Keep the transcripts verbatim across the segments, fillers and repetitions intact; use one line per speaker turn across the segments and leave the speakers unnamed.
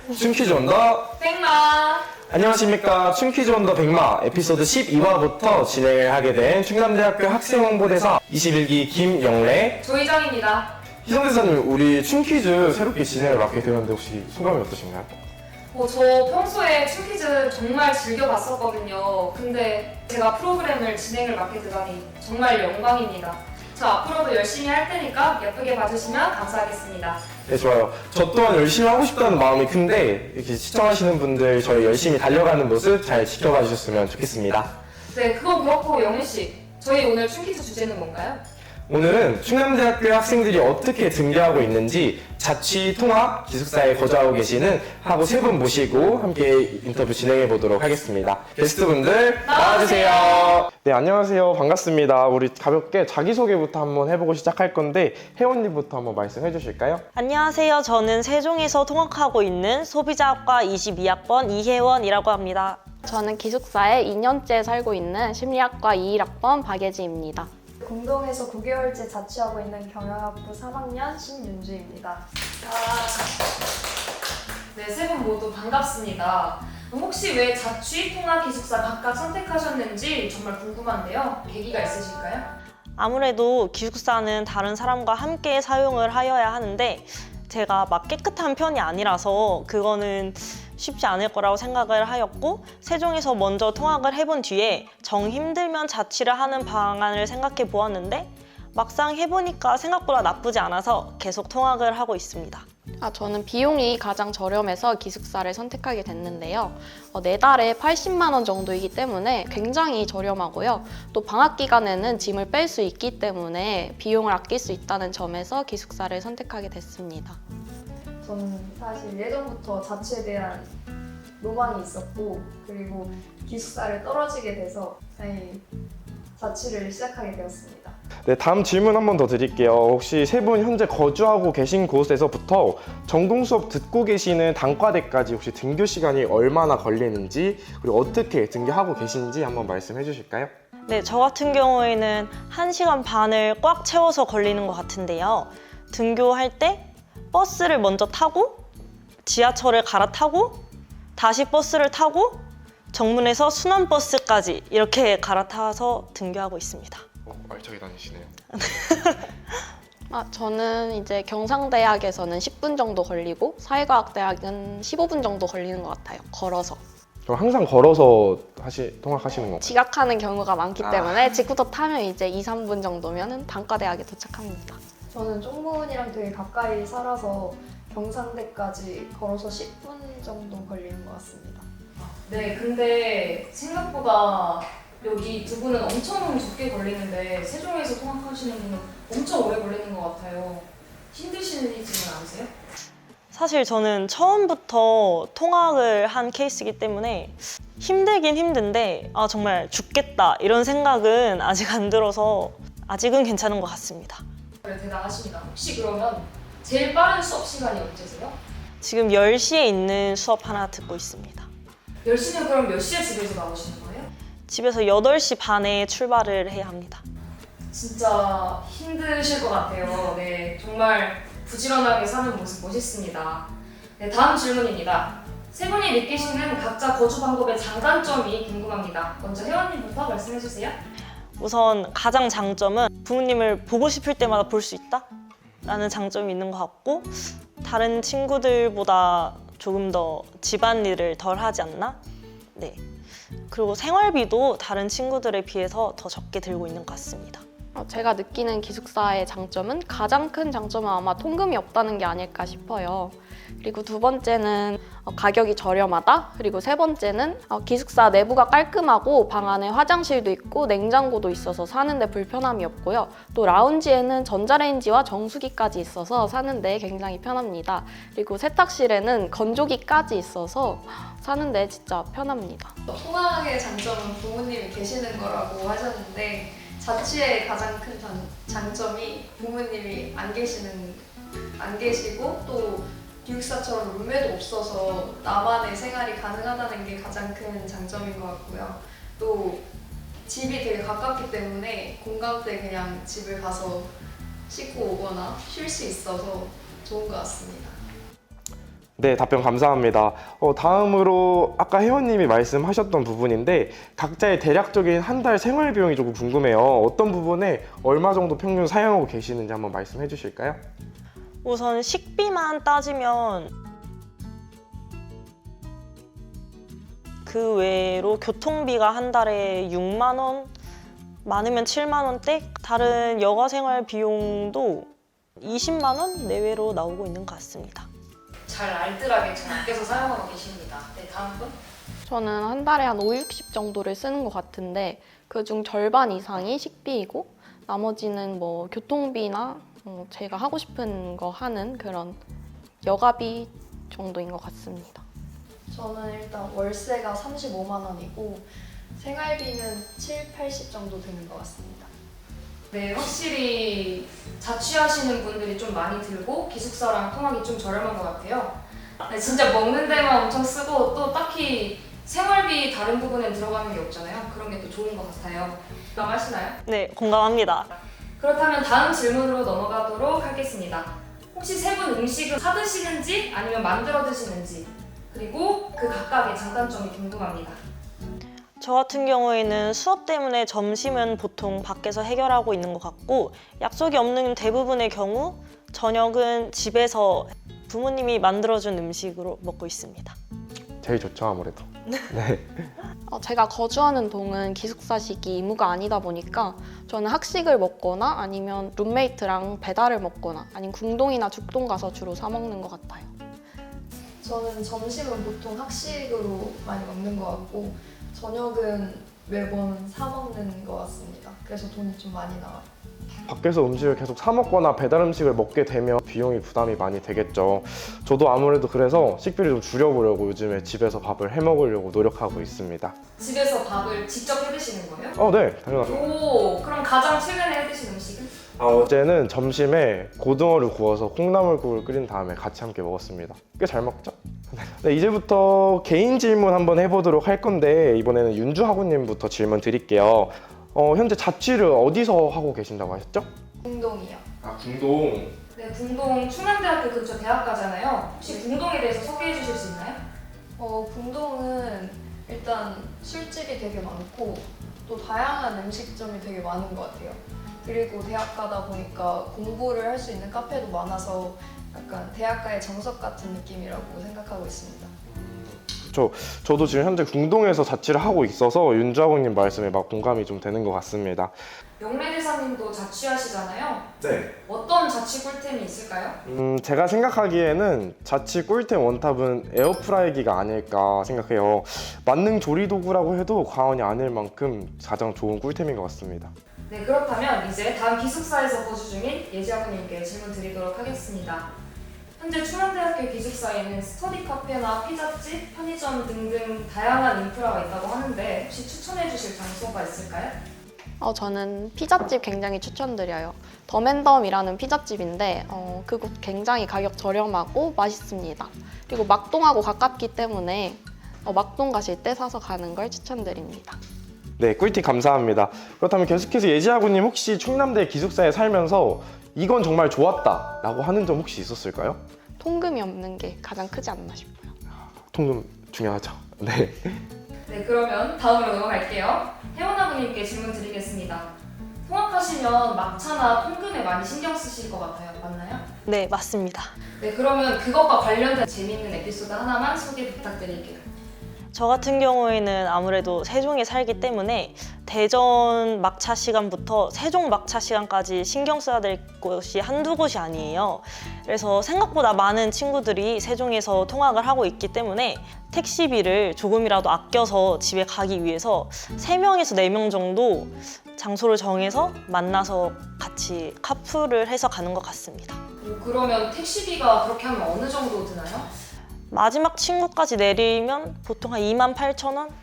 춤퀴즈 온더
백마.
안녕하십니까. 춤퀴즈 온더 백마 에피소드 십이 화부터 진행을 하게 된 충남대학교 학생홍보대사 이십일 기 김영래
조희정입니다.
희성대사님, 우리 춤퀴즈 새롭게 진행을 맡게 되었는데 혹시 소감이 어떠신가요?
어, 저 평소에 춤퀴즈 정말 즐겨봤었거든요. 근데 제가 프로그램을 진행을 맡게 되다니 정말 영광입니다. 저 앞으로도 열심히 할 테니까 예쁘게 봐주시면 감사하겠습니다.
네, 좋아요. 저 또한 열심히 하고 싶다는 마음이 큰데 이렇게 시청하시는 분들 저희 열심히 달려가는 모습 잘 지켜봐 주셨으면 좋겠습니다.
네, 그건 그렇고 영희 씨, 저희 오늘 춤퀴즈 주제는 뭔가요?
오늘은 충남대학교 학생들이 어떻게 등교하고 있는지 자취, 통학, 기숙사에 거주하고 계시는 하고 세 분 모시고 함께 인터뷰 진행해 보도록 하겠습니다. 게스트분들 나와주세요. 네, 안녕하세요. 반갑습니다. 우리 가볍게 자기소개부터 한번 해보고 시작할 건데 혜원님부터 한번 말씀해 주실까요?
안녕하세요. 저는 세종에서 통학하고 있는 소비자학과 이십이 학번 이혜원이라고 합니다.
저는 기숙사에 이 년째 살고 있는 심리학과 이십일 학번 박예지입니다.
공동에서 구 개월째 자취하고 있는 경영학부 삼 학년 신윤주입니다.
네, 세 분 모두 반갑습니다. 혹시 왜 자취, 통학, 기숙사 각각 선택하셨는지 정말 궁금한데요. 계기가 있으실까요?
아무래도 기숙사는 다른 사람과 함께 사용을 하여야 하는데 제가 막 깨끗한 편이 아니라서 그거는 쉽지 않을 거라고 생각을 하였고, 세종에서 먼저 통학을 해본 뒤에 정 힘들면 자취를 하는 방안을 생각해 보았는데 막상 해보니까 생각보다 나쁘지 않아서 계속 통학을 하고 있습니다.
아, 저는 비용이 가장 저렴해서 기숙사를 선택하게 됐는데요. 어, 네 달에 팔십만 원 정도이기 때문에 굉장히 저렴하고요. 또 방학 기간에는 짐을 뺄 수 있기 때문에 비용을 아낄 수 있다는 점에서 기숙사를 선택하게 됐습니다.
저는 사실 예전부터 자취에 대한 로망이 있었고, 그리고 기숙사를 떨어지게 돼서 다행히 자취를 시작하게 되었습니다.
네, 다음 질문 한 번 더 드릴게요. 혹시 세 분 현재 거주하고 계신 곳에서부터 전공 수업 듣고 계시는 단과대까지 혹시 등교 시간이 얼마나 걸리는지, 그리고 어떻게 등교하고 계신지 한번 말씀해 주실까요?
네, 저 같은 경우에는 한 시간 반을 꽉 채워서 걸리는 것 같은데요. 등교할 때 버스를 먼저 타고 지하철을 갈아타고 다시 버스를 타고 정문에서 순환버스까지 이렇게 갈아타서 등교하고 있습니다.
어, 알차게 다니시네요.
아, 저는 이제 경상대학에서는 십 분 정도 걸리고 사회과학대학은 십오 분 정도 걸리는 것 같아요. 걸어서.
그럼 항상 걸어서 하시, 통학하시는 건가요?
지각하는 경우가 많기
아.
때문에 직구터 타면 이제 이, 삼 분 정도면 단과대학에 도착합니다.
저는 쪽문이랑 되게 가까이 살아서 경상대까지 걸어서 십 분 정도 걸리는 것 같습니다.
네, 근데 생각보다 여기 두 분은 엄청 적게 걸리는데 세종에서 통학하시는 분은 엄청 오래 걸리는 것 같아요. 힘드시지는 않으세요?
사실 저는 처음부터 통학을 한 케이스이기 때문에 힘들긴 힘든데 아 정말 죽겠다 이런 생각은 아직 안 들어서 아직은 괜찮은 것 같습니다.
네, 대단하십니다. 혹시 그러면 제일 빠른 수업 시간이 언제세요?
지금 열 시에 있는 수업 하나 듣고 있습니다.
열 시면 그럼 몇 시에 집에서 나오시는 거예요?
집에서 여덟 시 반에 출발을 해야 합니다.
진짜 힘드실 것 같아요. 네, 정말 부지런하게 사는 모습 멋있습니다. 네, 다음 질문입니다. 세 분이 느끼시는 각자 거주 방법의 장단점이 궁금합니다. 먼저 혜원님부터 말씀해 주세요.
우선 가장 장점은 부모님을 보고 싶을 때마다 볼 수 있다? 라는 장점이 있는 것 같고, 다른 친구들보다 조금 더 집안일을 덜 하지 않나? 네. 그리고 생활비도 다른 친구들에 비해서 더 적게 들고 있는 것 같습니다.
어, 제가 느끼는 기숙사의 장점은 가장 큰 장점은 아마 통금이 없다는 게 아닐까 싶어요. 그리고 두 번째는 어, 가격이 저렴하다. 그리고 세 번째는 어, 기숙사 내부가 깔끔하고 방 안에 화장실도 있고 냉장고도 있어서 사는데 불편함이 없고요. 또 라운지에는 전자레인지와 정수기까지 있어서 사는데 굉장히 편합니다. 그리고 세탁실에는 건조기까지 있어서 사는데 진짜 편합니다.
통학의 장점은 부모님이 계시는 거라고 하셨는데, 자취의 가장 큰 장, 장점이 부모님이 안 계시는 안 계시고 또 기숙사처럼 룸메도 없어서 나만의 생활이 가능하다는 게 가장 큰 장점인 것 같고요. 또 집이 되게 가깝기 때문에 공강 때 그냥 집을 가서 씻고 오거나 쉴 수 있어서 좋은 것 같습니다.
네, 답변 감사합니다. 어, 다음으로 아까 회원님이 말씀하셨던 부분인데 각자의 대략적인 한 달 생활 비용이 조금 궁금해요. 어떤 부분에 얼마 정도 평균 사용하고 계시는지 한번 말씀해 주실까요?
우선 식비만 따지면 그 외로 교통비가 한 달에 육만 원, 많으면 칠만 원대, 다른 여가 생활 비용도 이십만 원 내외로 나오고 있는 것 같습니다.
잘 알뜰하게 잘 아껴서 사용하고 계십니다. 네, 다음 분.
저는 한 달에 한 오, 육십 정도를 쓰는 것 같은데 그중 절반 이상이 식비이고 나머지는 뭐 교통비나 어, 제가 하고 싶은 거 하는 그런 여가비 정도인 것 같습니다.
저는 일단 월세가 삼십오만 원이고 생활비는 칠, 팔십 정도 드는 것 같습니다.
네, 확실히 자취하시는 분들이 좀 많이 들고 기숙사랑 통학이 좀 저렴한 것 같아요. 네, 진짜 먹는 데만 엄청 쓰고 또 딱히 생활비 다른 부분에 들어가는 게 없잖아요. 그런 게 또 좋은 것 같아요. 공감하시나요?
네, 공감합니다.
그렇다면 다음 질문으로 넘어가도록 하겠습니다. 혹시 세 분 음식을 사 드시는지 아니면 만들어 드시는지 그리고 그 각각의 장단점이 궁금합니다.
저 같은 경우에는 수업 때문에 점심은 보통 밖에서 해결하고 있는 것 같고 약속이 없는 대부분의 경우 저녁은 집에서 부모님이 만들어준 음식으로 먹고 있습니다.
제일 좋죠, 아무래도. 네.
어, 제가 거주하는 동은 기숙사식이 의무가 아니다 보니까 저는 학식을 먹거나 아니면 룸메이트랑 배달을 먹거나 아니면 궁동이나 죽동 가서 주로 사 먹는 것 같아요.
저는 점심은 보통 학식으로 많이 먹는 것 같고 저녁은 매번 사 먹는 것 같습니다. 그래서 돈이 좀 많이 나와요.
밖에서 음식을 계속 사 먹거나 배달 음식을 먹게 되면 비용이 부담이 많이 되겠죠. 저도 아무래도 그래서 식비를 좀 줄여보려고 요즘에 집에서 밥을 해 먹으려고 노력하고 있습니다.
집에서 밥을 직접 해 드시는 거예요?
어, 네, 당연하죠.
오, 그럼 가장 최근에 해 드신 음식은?
아, 어제는 점심에 고등어를 구워서 콩나물국을 끓인 다음에 같이 함께 먹었습니다. 꽤 잘 먹죠? 네, 이제부터 개인 질문 한번 해보도록 할 건데 이번에는 윤주하구님부터 질문 드릴게요. 어, 현재 자취를 어디서 하고 계신다고 하셨죠?
궁동이요.
아, 궁동.
네, 궁동 충남대학교 근처 대학가잖아요. 혹시 궁동에 대해서 소개해 주실 수 있나요?
어, 궁동은 일단 술집이 되게 많고 또 다양한 음식점이 되게 많은 것 같아요. 그리고 대학 가다 보니까 공부를 할 수 있는 카페도 많아서 약간 대학가의 정석 같은 느낌이라고 생각하고 있습니다.
저, 저도 지금 현재 궁동에서 자취를 하고 있어서 윤주하구님 말씀에 막 공감이 좀 되는 것 같습니다.
영래대사님도 자취하시잖아요.
네.
어떤 자취 꿀템이 있을까요?
음, 제가 생각하기에는 자취 꿀템 원탑은 에어프라이기가 아닐까 생각해요. 만능 조리 도구라고 해도 과언이 아닐 만큼 가장 좋은 꿀템인 것 같습니다.
네, 그렇다면 이제 다음 기숙사에서 거주 중인 예지아버님께 질문 드리도록 하겠습니다. 현재 충남대학교 기숙사에는 스터디 카페나 피자집, 편의점 등등 다양한 인프라가 있다고 하는데 혹시 추천해 주실 장소가 있을까요?
어, 저는 피자집 굉장히 추천드려요. 더맨덤이라는 피자집인데 어, 그곳 굉장히 가격 저렴하고 맛있습니다. 그리고 막동하고 가깝기 때문에 어, 막동 가실 때 사서 가는 걸 추천드립니다.
네, 꿀팁 감사합니다. 그렇다면 계속해서 예지아구님 혹시 충남대 기숙사에 살면서 이건 정말 좋았다 라고 하는 점 혹시 있었을까요?
통금이 없는 게 가장 크지 않나 싶어요.
통금 중요하죠. 네.
네, 그러면 다음으로 넘어갈게요. 혜원아부님께 질문 드리겠습니다. 통학하시면 막차나 통금에 많이 신경 쓰실 것 같아요. 맞나요?
네, 맞습니다.
네, 그러면 그것과 관련된 재미있는 에피소드 하나만 소개 부탁드릴게요.
저 같은 경우에는 아무래도 세종에 살기 때문에 대전 막차 시간부터 세종 막차 시간까지 신경 써야 될 곳이 한두 곳이 아니에요. 그래서 생각보다 많은 친구들이 세종에서 통학을 하고 있기 때문에 택시비를 조금이라도 아껴서 집에 가기 위해서 세 명에서 네 명 정도 장소를 정해서 만나서 같이 카풀을 해서 가는 것 같습니다.
오, 그러면 택시비가 그렇게 하면 어느 정도 드나요?
마지막 친구까지 내리면 보통 한 이만 팔천 원?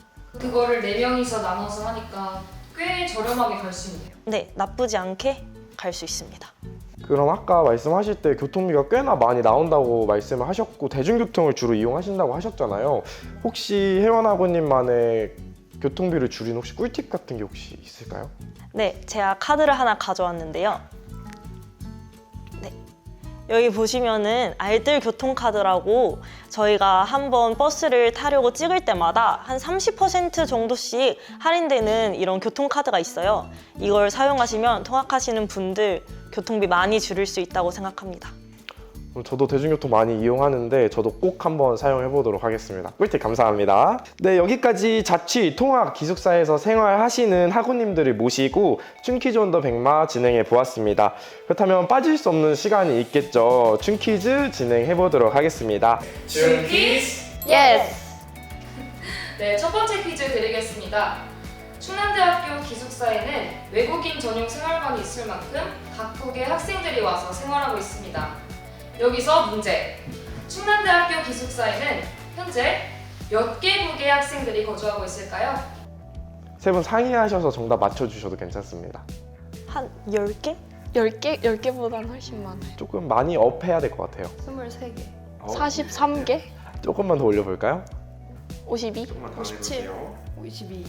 그거를 네 명이서 나눠서 하니까 꽤 저렴하게 갈 수 있네요.
네, 나쁘지 않게 갈 수 있습니다.
그럼 아까 말씀하실 때 교통비가 꽤나 많이 나온다고 말씀을 하셨고 대중교통을 주로 이용하신다고 하셨잖아요. 혹시 혜원아버님만의 교통비를 줄인 혹시 꿀팁 같은 게 혹시 있을까요?
네, 제가 카드를 하나 가져왔는데요. 네, 여기 보시면은 알뜰 교통카드라고 저희가 한번 버스를 타려고 찍을 때마다 한 삼십 퍼센트 정도씩 할인되는 이런 교통카드가 있어요. 이걸 사용하시면 통학하시는 분들 교통비 많이 줄일 수 있다고 생각합니다.
저도 대중교통 많이 이용하는데 저도 꼭 한번 사용해 보도록 하겠습니다. 꿀팁 감사합니다. 네, 여기까지 자취, 통학, 기숙사에서 생활하시는 학우님들을 모시고 춘퀴즈 온 더 백마 진행해 보았습니다. 그렇다면 빠질 수 없는 시간이 있겠죠. 춘퀴즈 진행해 보도록 하겠습니다.
춘퀴즈!
예스!
네, 첫 번째 퀴즈 드리겠습니다. 충남대학교 기숙사에는 외국인 전용 생활관이 있을 만큼 각국의 학생들이 와서 생활하고 있습니다. 여기서 문제! 충남대학교 기숙사에는 현재 몇 개국의 학생들이 거주하고 있을까요?
세 분 상의하셔서 정답 맞춰주셔도 괜찮습니다.
한 열 개?
열 개? 열 개보다는 훨씬 많아요.
조금 많이 업해야 될 것 같아요.
스물세 개.
어,
사십삼 개?
조금만 더 올려볼까요?
오십이?
조금만 더
오십칠.
해볼게요.
오십이.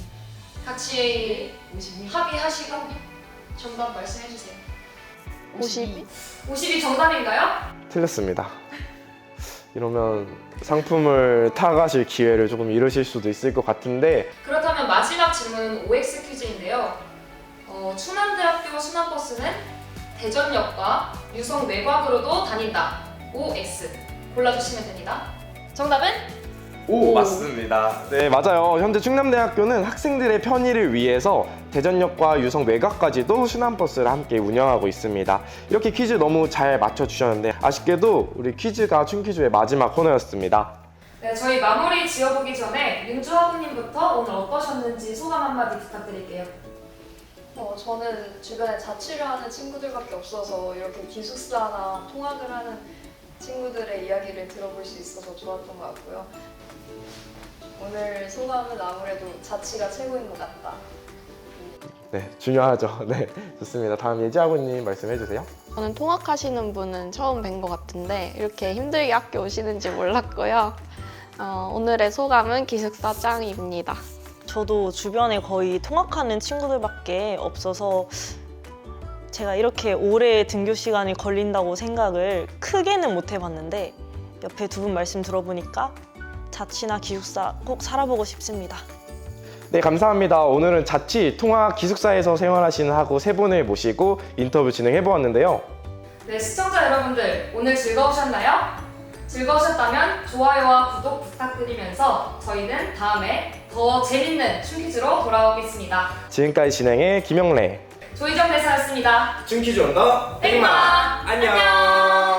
같이
오십이.
합의하시고 정답 말씀해주세요.
오십이?
오십이 정답인가요?
틀렸습니다. 이러면 상품을 타가실 기회를 조금 잃으실 수도 있을 것 같은데
그렇다면 마지막 질문은 오엑스 퀴즈인데요. 어, 충남대학교 순환버스는 대전역과 유성 외곽으로도 다닌다. 오엑스 골라주시면 됩니다. 정답은?
오, 맞습니다. 네, 맞아요. 현재 충남대학교는 학생들의 편의를 위해서 대전역과 유성 외곽까지도 순환버스를 함께 운영하고 있습니다. 이렇게 퀴즈 너무 잘 맞춰주셨는데 아쉽게도 우리 퀴즈가 춘퀴즈의 마지막 코너였습니다.
네, 저희 마무리 지어보기 전에 윤주 학우님부터 오늘 어떠셨는지 소감 한마디 부탁드릴게요.
어, 저는 주변에 자취를 하는 친구들밖에 없어서 이렇게 기숙사나 통학을 하는 친구들의 이야기를 들어볼 수 있어서 좋았던 것 같고요. 오늘 소감은 아무래도 자취가 최고인 것 같다.
네, 중요하죠. 네, 좋습니다. 다음 예지아고님 말씀해주세요.
저는 통학하시는 분은 처음 뵌 것 같은데 이렇게 힘들게 학교 오시는지 몰랐고요. 어, 오늘의 소감은 기숙사 짱입니다.
저도 주변에 거의 통학하는 친구들밖에 없어서 제가 이렇게 오래 등교 시간이 걸린다고 생각을 크게는 못 해봤는데 옆에 두 분 말씀 들어보니까 자취나 기숙사 꼭 살아보고 싶습니다.
네, 감사합니다. 오늘은 자취, 통학, 기숙사에서 생활하시는 학우 세 분을 모시고 인터뷰 진행해 보았는데요.
네, 시청자 여러분들 오늘 즐거우셨나요? 즐거우셨다면 좋아요와 구독 부탁드리면서 저희는 다음에 더 재밌는 춘퀴즈로 돌아오겠습니다.
지금까지 진행의 김영래,
조희정 대사였습니다.
춘퀴즈 온더
백마! 안녕!